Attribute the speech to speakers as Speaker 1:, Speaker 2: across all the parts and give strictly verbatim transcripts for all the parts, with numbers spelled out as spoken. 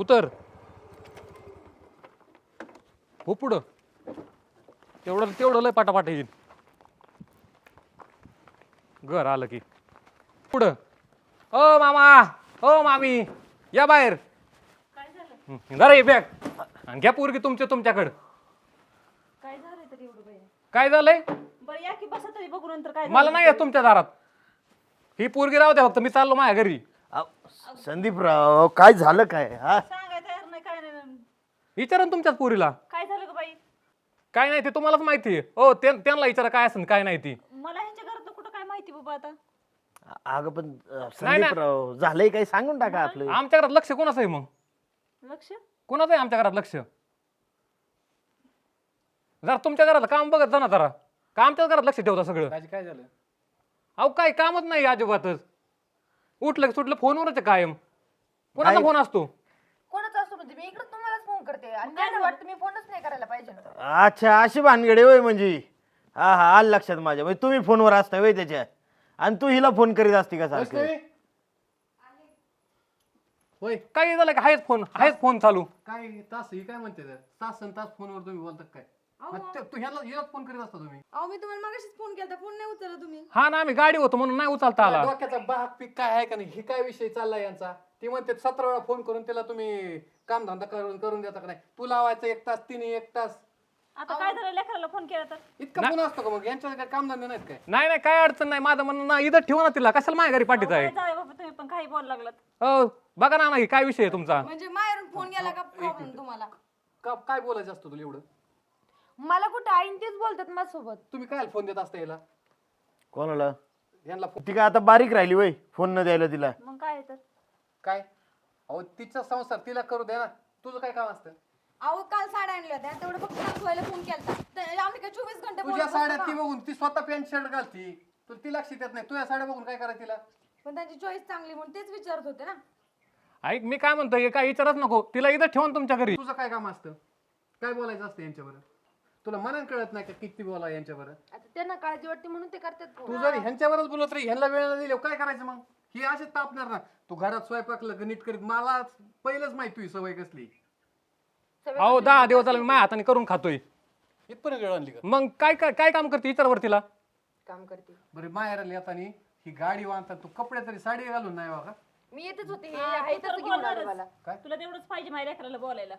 Speaker 1: उतर हो पुढं तेवढं तेवढं लय पाटापाट येईल घर आलं की पुढं ओ मामा ओ मामी या बाहेर
Speaker 2: काय झालं
Speaker 1: जरा ये बॅग आणि घ्या पोरगी तुमच्या तुमच्याकडं
Speaker 2: काय झालंय तरी एवढं बाई
Speaker 1: काय झालंय
Speaker 2: बरं या की बसा तरी बघू नंतर काय
Speaker 1: मला नाही येत तुमच्या दारात ही पोरगी राहू द्या फक्त मी चाललो माझ्या घरी
Speaker 3: संदीपराव काय झालं काय हा
Speaker 2: सांगाय तयार नाही काय नाही
Speaker 1: विचारा ना तुमच्याच पोरीला
Speaker 2: काय झालं ग बाई
Speaker 1: काय नाही ते तुम्हालाच माहिती आहे हो त्यांना विचारा काय असेल काय नाही ती
Speaker 2: मला ह्यांच्या घरात कुठं काय माहिती बाबा आता
Speaker 3: अगं पण अं, संदीपराव झालंय काय सांगून टाका आपलं
Speaker 1: आमच्या घरात लक्ष कोणाचं आहे मग
Speaker 2: लक्ष
Speaker 1: कोणाचं आहे आमच्या घरात लक्ष जरा तुमच्या घरात काम बघत जा ना जरा का आमच्याच घरात लक्ष ठेवता सगळं
Speaker 4: काय झालं
Speaker 1: अहो काय कामच नाही अजिबातच उठलं की सुटलं फोनवरच आहे कायम कोणाचा
Speaker 3: काय?
Speaker 1: फोन असतो
Speaker 5: कोणाचा असतो म्हणजे मी इकडे तुम्हालाच फोन करते आणि काय वाटतं मी फोनच नाही करायला पाहिजे
Speaker 3: अच्छा अशी भानगडे होय म्हणजे हा हा आलं लक्षात माझ्या म्हणजे तुम्ही फोनवर असता होय त्याच्या आणि तू हिला फोन करीत असती का सारखं
Speaker 4: होय
Speaker 1: काय झालं का आहेच फोन आहेच फोन चालू
Speaker 4: काय तास ही काय म्हणते ते? तास आणि तास फोनवर तुम्ही बोलता काय मग ते- तू ह्याला हिलाच फोन करीत असता तुम्ही
Speaker 5: अहो मी तुम्हाला मागाशीच फोन केला फोन नाही उचलला तुम्ही
Speaker 1: हा ना आम्ही गाडी होतो म्हणून नाही उचलता आला
Speaker 4: डोक्याचा बाग पीक काय आहे का नाही हे काय विषय चाललाय यांचा ती म्हणते सतरा वेळा फोन करून त्याला तुम्ही काम धंदा करून करून देता का नाही तू लावायचं एक तास तिने एक तास
Speaker 2: आता काय झालं लेकराला फोन केला तर
Speaker 4: इतका फोन असतो का मग यांच्या काय काम धंदे नाहीत काय
Speaker 1: नाही नाही काय अडचण नाही माझं म्हणणं ना इथं ठेवा ना तिला कशाला माझ्या घरी पाठीत आहे
Speaker 2: काय जावे बाबा तुम्ही पण काही बोलायला लागलात
Speaker 1: हो बघा ना नाही काय विषय आहे तुमचा
Speaker 5: म्हणजे माहेरून फोन गेला का प्रॉब्लेम तुम्हाला
Speaker 4: का काय बोलायचं असतं तुला एवढं
Speaker 5: मला कुठं आईन तेच बोलतात माझ्यासोबत
Speaker 4: तुम्ही काय फोन देत असता याला
Speaker 3: कोणाला
Speaker 4: यांना फोन
Speaker 3: ती काय आता बारीक राहिली वय फोन न द्यायला तिला
Speaker 2: मग काय आहे तर
Speaker 4: काय अहो तिचा संसार तिला करू दे ना तुझं काय काम असतं
Speaker 5: अहो काल साड्या आणल्या होत्या तेवढं फक्त दाखवायला फोन केला आम्ही काय चोवीस घंटे
Speaker 4: तुझ्या साड्या ती बघून ती स्वतः पॅन्ट शर्ट घालती तुला ती लक्ष देत नाही तुझ्या साड्या बघून काय करायचं तिला
Speaker 5: पण त्यांची चॉईस चांगली म्हणून तेच विचारत होते ना
Speaker 1: ऐक मी काय म्हणतोय काय विचारच नको तिला इथं ठेवा ना तुमच्या घरी
Speaker 4: तुझं काय काम असतं काय बोलायचं असतं यांच्यावर तुला मनान कळत नाही का किती बोला यांच्यावर
Speaker 5: आता त्यांना काळजी वाटते म्हणून ते करतात
Speaker 4: तू जर ह्यांच्यावरच बोलत रे ह्यांना वेळ दिले काय करायचं मग ही असेच तापणार ना तू घरात स्वयंपाकलं नीट करीत मला पहिलंच माहिती तुझी सवय कसली
Speaker 1: अहो दहा दिवस झाला मी माझ्या हाताने करून खातोय
Speaker 4: इथपर्यंत वेळ आणली का
Speaker 1: मग काय काय काय काम करते विचारवर तिला
Speaker 5: काम करते
Speaker 4: बरं माहेराला येताना ही गाडी वाहतात तू कपडे तरी साडी घालून नाही बघा
Speaker 5: मी येतच होते हे
Speaker 2: हा,
Speaker 5: आहे
Speaker 2: तू तर
Speaker 5: तसं घेऊन आलं
Speaker 2: बोलणारच.
Speaker 5: मला
Speaker 4: काय?
Speaker 2: तुला तेवढंच पाहिजे माझ्या लेकराला बोलायला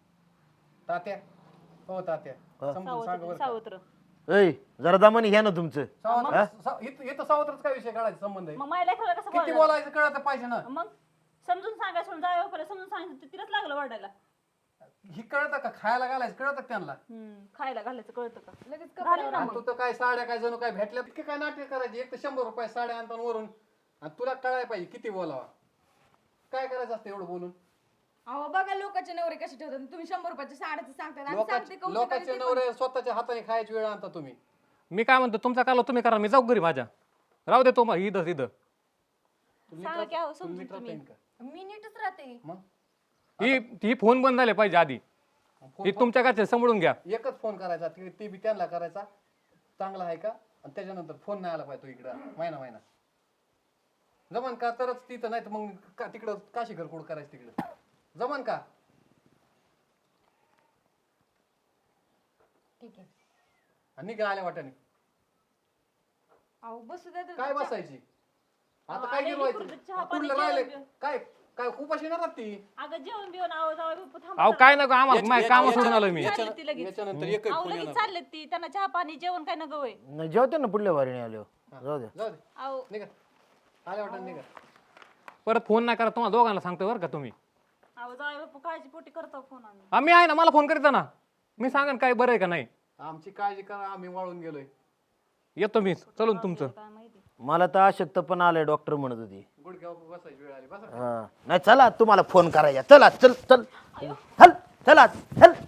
Speaker 4: तात्या हो तात्या समजून सांग बरं का.
Speaker 2: सावत्र
Speaker 3: ऐ जरा दमानी घ्या ना तुमचं
Speaker 4: सावत्र सा- इथं इथं सावत्रच काय विषय काढायचा संबंध आहे
Speaker 2: मग माझ्या लेकराला कसं
Speaker 4: किती
Speaker 2: बोलायला
Speaker 4: बोलायचं कळत पाहिजे ना
Speaker 2: मग समजून सांगायचं सोडून जावे बापाला समजून सांगायचं तर तिलाच लागलं वाढायला
Speaker 4: ही कळतं का खायला घालायचं कळतं का त्यांना
Speaker 2: हम्म खायला घालायचं कळतं का
Speaker 5: लगेच
Speaker 2: घालू ना
Speaker 4: आणि
Speaker 2: मग
Speaker 4: तू तर काय साड्या काय जणू काय भेटल्या इतके काय नाटक करायची एक तर शंभर रुपये साड्या आणता वरून आणि तुला कळायला पाहिजे किती बोलावा काय करायचं असतं एवढं बोलून
Speaker 5: अहो बघा लोकांचे नवरे कसे ठेवतात तुम्ही शंभर रुपयाचे साड्याचं सांगतात आणि सांगते
Speaker 4: लोकांचे
Speaker 5: कौतुक
Speaker 4: लोकांचे
Speaker 5: आणि ते
Speaker 4: नवरे स्वतःच्या हाताने खायची वेळ आणता तुम्ही
Speaker 1: मी काय म्हणतो तुमचा काल तुम्ही करा मी जाऊ घरी माझ्या राहू दे तो मग इथं इथं
Speaker 2: सांगा की अहो समजून
Speaker 4: नीट
Speaker 2: तुम्ही
Speaker 4: राहता येईल का
Speaker 5: पण मी नीटच राहते
Speaker 4: मग
Speaker 1: ही ही फोन बंद झाले पाहिजे आधी ही तुमच्या घरचे समजून घ्या
Speaker 4: एकच फोन करायचा ते ते बी त्यांना करायचा चांगला आहे का आणि त्याच्यानंतर फोन नाही आला पाहिजे तो इकडं महिना महिना जमन का तरच तिथं नाही तर मग का तिकडं काशी घरकुड करायचं तिकडं जमन का
Speaker 5: ठीक आहे
Speaker 4: आणि निघा आल्या वाट्याने
Speaker 5: अहो बसू द्या तर-
Speaker 4: काय बसायची आता काय
Speaker 2: आलेली
Speaker 4: गिरवायचं
Speaker 2: पुरतं चहा पाणी
Speaker 4: कुठलं राहिले
Speaker 2: जेवण.
Speaker 4: काय काय उपाशी येणार ती
Speaker 2: अगं जेवण बिवण आहो जावे बापू थांबा
Speaker 1: अहो
Speaker 2: जरा.
Speaker 1: काय नको आम्हाला माझ्या काम सोडून आलोय मी
Speaker 2: चालली ती लगेच
Speaker 4: याच्यानंतर एकही
Speaker 2: अहो
Speaker 4: फोन
Speaker 2: लगेच
Speaker 4: येणार
Speaker 2: चाललेत ती त्यांना चहा पाणी जेवण काय नगं होय
Speaker 3: नाही, जेवते ना पुढल्या वारीने आलो जाऊ द्या
Speaker 4: जाऊ दे
Speaker 2: अहो
Speaker 4: निघा आल्या वाटत निघा
Speaker 1: परत फोन नाही करा तुम्हाला दोघांना सांगतो बरं का तुम्ही
Speaker 2: अहो जावे बापू काळजी पोटी करतो फोन आम्ही
Speaker 1: आम्ही आहे ना मला फोन करीत जा ना मी सांगेन काय बरं आहे का नाही
Speaker 4: आमची काळजी करा आम्ही वाळून गेलोय
Speaker 1: येतो मी चलून तुमचं
Speaker 2: काय माहिती
Speaker 3: मला तर अशक्त पण आलंय डॉक्टर म्हणत होती
Speaker 4: गुडघ्यावर बसायची वेळ आली बसा
Speaker 3: हा नाही चला तुम्हाला फोन करायचा चला चल चल चल चला चल